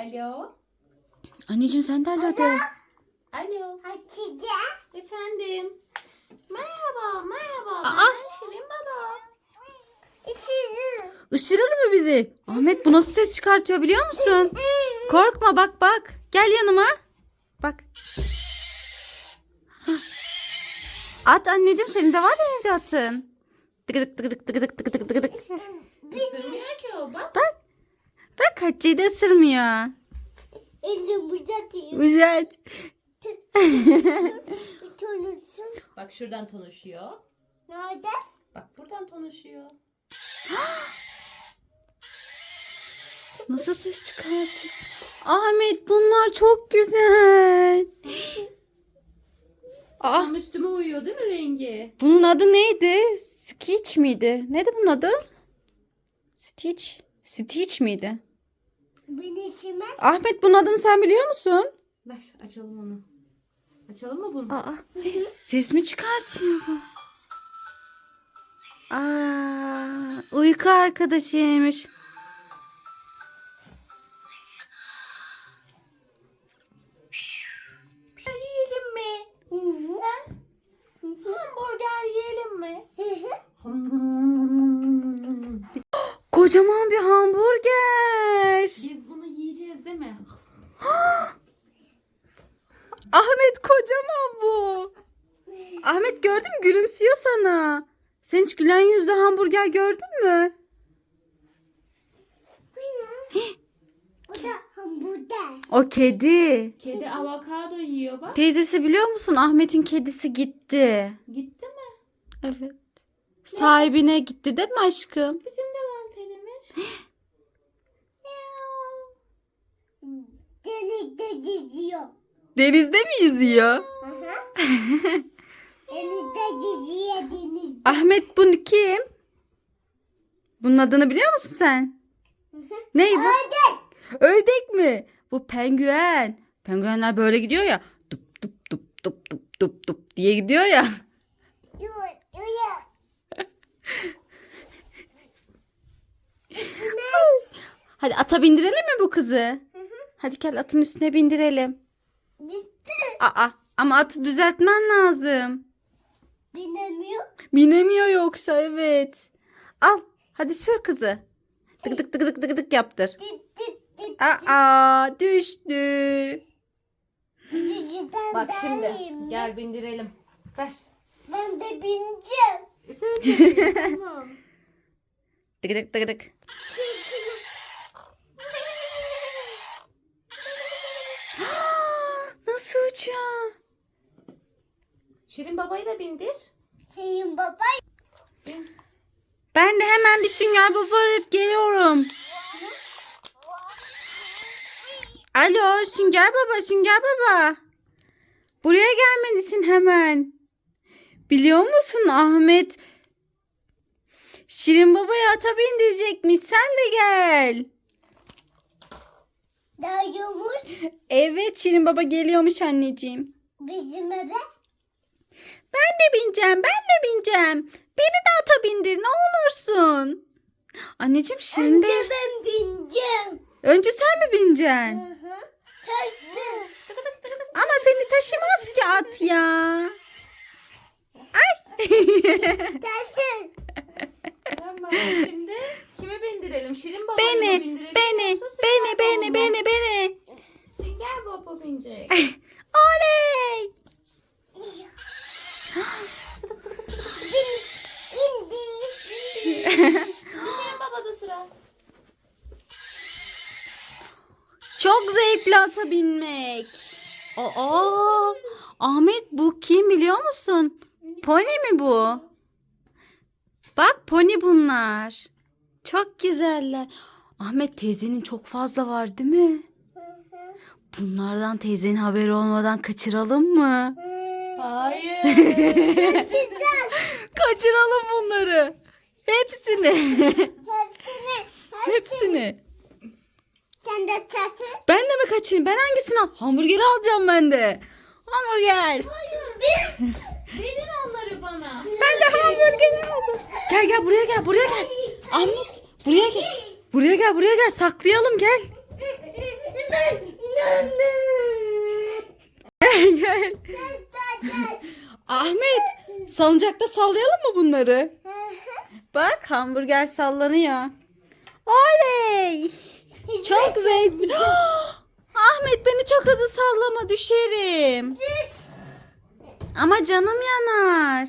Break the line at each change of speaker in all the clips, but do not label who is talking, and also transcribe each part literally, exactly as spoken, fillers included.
Alo.
Anneciğim sen de alo de.
Alo.
Hatice.
Efendim. Merhaba, merhaba.
Aa.
Ben Şirin Baba.
İşini.
Isırır mı bizi? Ahmet bu nasıl ses çıkartıyor biliyor musun? Korkma bak bak. Gel yanıma. Bak. Hah. At anneciğim, senin de var ya evde atın. Tıkıdık tıkıdık tıkıdık tıkıdık tıkıdık.
Isırmıyor ki o bak.
Bak. Bak Hatice'yi de ısırmıyor.
Elim uzatıyor.
Güzel.
Tanırsın.
Bak şuradan konuşuyor.
Nerede?
Bak buradan konuşuyor.
Nasıl ses çıkartıyor? Ahmet bunlar çok güzel. Aa,
Tam üstüme uyuyor değil mi rengi?
bunun adı neydi? Stitch miydi? Neydi bunun adı? Stitch. Stitch miydi?
Ben işime.
Ahmet bunun adını sen biliyor musun?
Ver açalım onu. Açalım mı bunu?
Aa, ses mi çıkartıyor bu? Aa, uyku arkadaşıymış.
Yiyelim mi?
Hı hı.
Hamburger yiyelim mi?
Hı hı.
Kocaman bir hamburger.
Biz bunu yiyeceğiz değil mi?
Ahmet kocaman bu. Ahmet gördün mü, gülümsüyor sana. Sen hiç gülen yüzlü hamburger gördün mü?
O da hamburger.
O kedi.
Kedi avokado yiyor bak.
Teyzesi biliyor musun? Ahmet'in kedisi gitti.
Gitti mi?
Evet. Sahibine gitti değil mi aşkım?
Bizim de mantenimiz.
Denizde geziyor.
Denizde mi yüzüyor?
Hı hı. Denizde geziyor denizde.
Ahmet bu kim? Bunun adını biliyor musun sen? Ney bu?
Ördek.
Ördek mi? Bu penguen. Penguenler böyle gidiyor ya. Dup dup dup dup dup dup dup diye gidiyor ya.
Yok, yok.
Hadi ata bindirelim mi bu kızı? Hadi gel atın üstüne bindirelim.
İşte
Aa, ama atı düzeltmen lazım.
binemiyor.
Binemiyor yoksa, evet. Al hadi sür kızı. Tık tık tık tık tık tık yaptır.
Dit dit dit.
Aa, düştü.
Yüzünden
Bak şimdi
derliyim.
gel bindirelim. Ver.
Ben de bineceğim.
Söyle. Tamam.
Tık tık tık tık.
Çiçeği.
Nasıl uçuyor?
Şirin babayı da bindir.
Senin baba.
Bin.
Ben de hemen bir sünger baba alıp geliyorum. Alo sünger baba, sünger baba. Buraya gelmelisin hemen. Biliyor musun Ahmet? Şirin babaya ata bindirecekmiş. Sen de gel.
Dayıyormuş
Evet, Şirin baba geliyormuş anneciğim.
bizim eve.
Ben de bineceğim, ben de bineceğim. Beni de ata bindir ne olursun. Anneciğim Şirin de...
Önce ben bineceğim.
Önce sen mi bineceksin?
Hı hı. Taştı.
Ama seni taşımaz ki at ya.
Taşın.
Tamam şimdi kimi bindirelim? Şirin babayı mı
Beni,
bindirelim?
beni,
yoksa
beni,
Sünger
beni,
Baba mı?
beni, beni.
Sünger Baba binecek.
Oley!
Bin, indi.
Şirin Baba'da sıra.
Çok zevkli ata binmek. Aa, Ahmet bu kim biliyor musun? Pony mi bu? Bak pony bunlar. Çok güzeller. Ahmet teyzenin çok fazla var değil mi? Bunlardan teyzenin haberi olmadan kaçıralım mı?
Hayır.
Kaçacağız.
Kaçıralım bunları. Hepsini.
Hepsini.
Hepsini.
Sen de taşın.
Ben de mi kaçayım? Ben hangisini al? Hamburgeri alacağım ben de. Hamburger.
Hayır bir. Verin onları bana.
Ben de hamburgeri aldım. Gel gel buraya gel, buraya gel. Ahmet buraya gel. Buraya gel, buraya gel. Saklayalım gel.
ben inanmıyorum.
Gel. Ahmet, salıncakta sallayalım mı bunları? Bak, hamburger sallanıyor. Oley! Çok zevkli. Ahmet, beni çok hızlı sallama, düşerim. Ama canım yanar.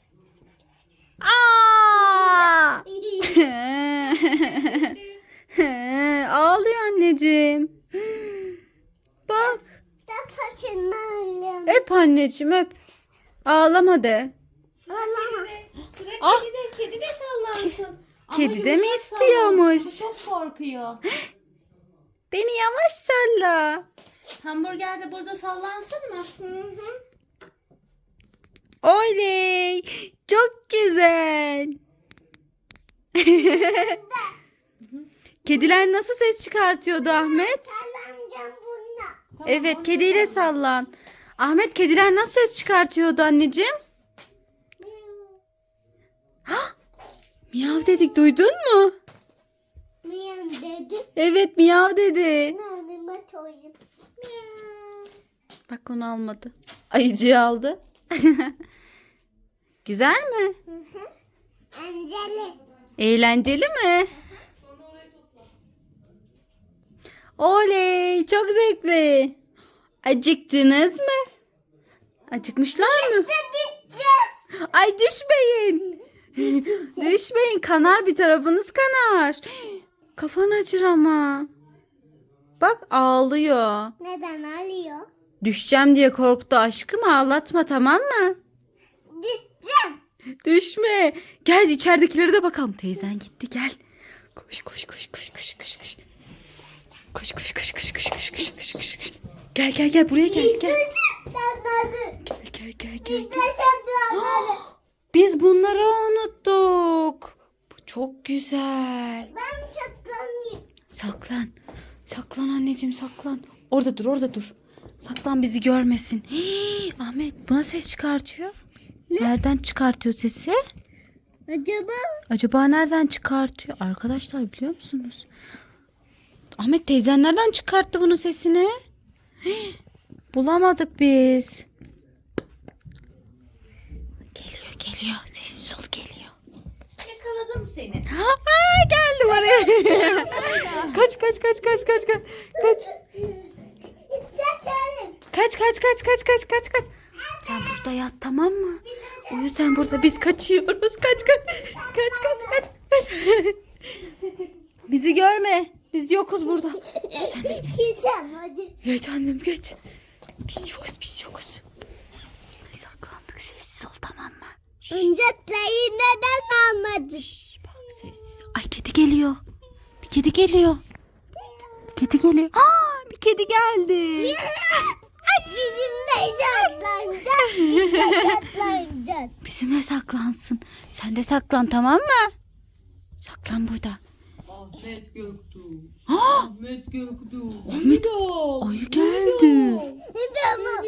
Aa! Ağlıyor anneciğim. Bak. Öp anneciğim, öp. Ağlama de.
Sıra
Ah.
kedide. Kedi de sallansın. Ama
Kedi de mi
yumuşak
istiyormuş?
sallansın, Çok korkuyor.
Beni yavaş salla.
Hamburger de burada sallansın mı? Hı hı.
Oley! Çok güzel. Kediler nasıl ses çıkartıyordu Ahmet? Evet, kediyle sallan. Ahmet, kediler nasıl ses çıkartıyordu anneciğim? Hah! Miyav dedik, duydun mu?
Miyav dedi.
Evet, miyav dedi.
Mama toyum. Miyav.
Bak, onu almadı. Ayıcığı aldı. Güzel mi?
Anceli.
Eğlenceli mi? Oley, çok zevkli. Acıktınız mı? Acıkmışlar mı?
Gideceğiz.
Ay, düşmeyin. Düşmeyin, kanar, bir tarafınız kanar. Kafan acır ama. Bak, ağlıyor.
Neden alıyor?
Düşeceğim diye korktu aşkım, ağlatma, tamam mı?
Düşeceğim.
Düşme. Gel, içeridekilere de bakalım. Teyzen gitti, gel. Koş koş koş koş koş koş koş. Koş koş koş koş koş koş koş koş koş koş. Gel gel gel, buraya gel gel.
Saklanmadı.
Gel gel gel gel.
Bizde saklanmadı.
Biz bunları unuttuk. Bu çok güzel.
Ben saklanayım.
Saklan. Saklan anneciğim, saklan. Orada dur, orada dur. Saklan, bizi görmesin. Hii, Ahmet, buna ses çıkartıyor. Nereden çıkartıyor sesi?
Acaba?
Acaba nereden çıkartıyor? Arkadaşlar, biliyor musunuz? Ahmet, teyzen nereden çıkarttı bunun sesini? Hii, bulamadık biz. Geliyor geliyor. Sessiz ol, geliyor.
Yakaladım seni.
Aa, geldim oraya. kaç kaç kaç kaç kaç kaç. Kaç.
Saklanayım.
Kaç kaç kaç kaç kaç kaç kaç. Sen burada yat, tamam mı? Uyu sen burada, biz kaçıyoruz. Kaç kaç. Kaç kaç kaç. kaç. Bizi görme. Biz yokuz burada. Geç annem geç.
Çizeceğim hadi.
Geç annem geç. Biz yokuz biz yokuz. Saklandık, sessiz ol, tamam mı?
Oyuncakları neden almadın?
Şş, bak, sessiz ol. Ay, kedi geliyor. Bir kedi geliyor. Kedi geliyor. Aa, bir kedi geldi.
Bizimle saklanacak. Bizimle saklanacak.
Bizimle saklansın. Sen de saklan, tamam mı? Saklan burada.
Ahmet Göktuğ.
Aa,
Ahmet Göktuğ.
Ahmet, ayı geldi.
Tamam.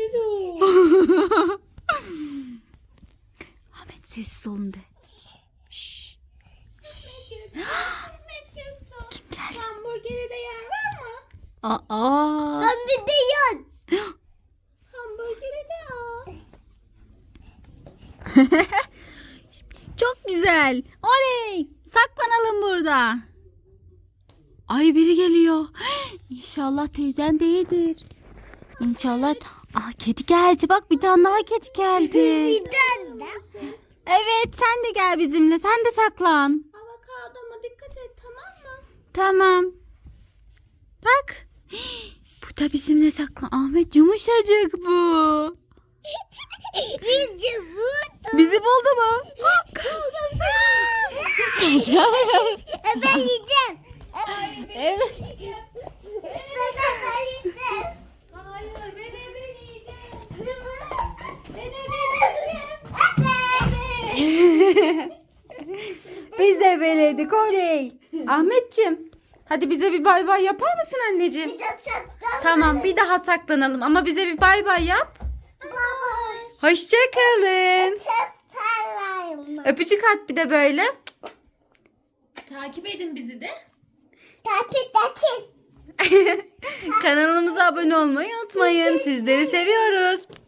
Ahmet, sessiz olun de. Şşş.
Ahmet Göktuğ.
Kim geldi?
Hamburgere de yer var mı?
Aa.
Ben bir de yan.
Hamburgere de al.
Çok güzel. Oley. Saklanalım burada. Ay, biri geliyor. İnşallah teyzen değildir. İnşallah. Aa, kedi geldi. Bak, bir tane daha kedi geldi.
Bir tane de.
Evet, sen de gel bizimle. Sen de saklan.
Avokadoma dikkat et, tamam mı?
Tamam. Bak. Bu da bizimle saklan. Ahmet, yumuşacık bu.
Bizi vurdu.
Bizi buldu mu?
Ben yiyeceğim.
Evet.
Ben yiyeceğim.
Hayır, ben eve yiyeceğim.
Ben yiyeceğim.
Biz de beledik, oley. Ahmetciğim, hadi bize bir bay bay yapar mısın anneciğim?
Bir de saklan.
Tamam, bir daha saklanalım ama bize bir bay bay yap.
Baba.
Hoşça kalın.
Ses sarayım.
Öpücük at bir de böyle.
Takip edin bizi de.
Kapı da çek.
Kanalımıza abone olmayı unutmayın. Sizleri seviyoruz.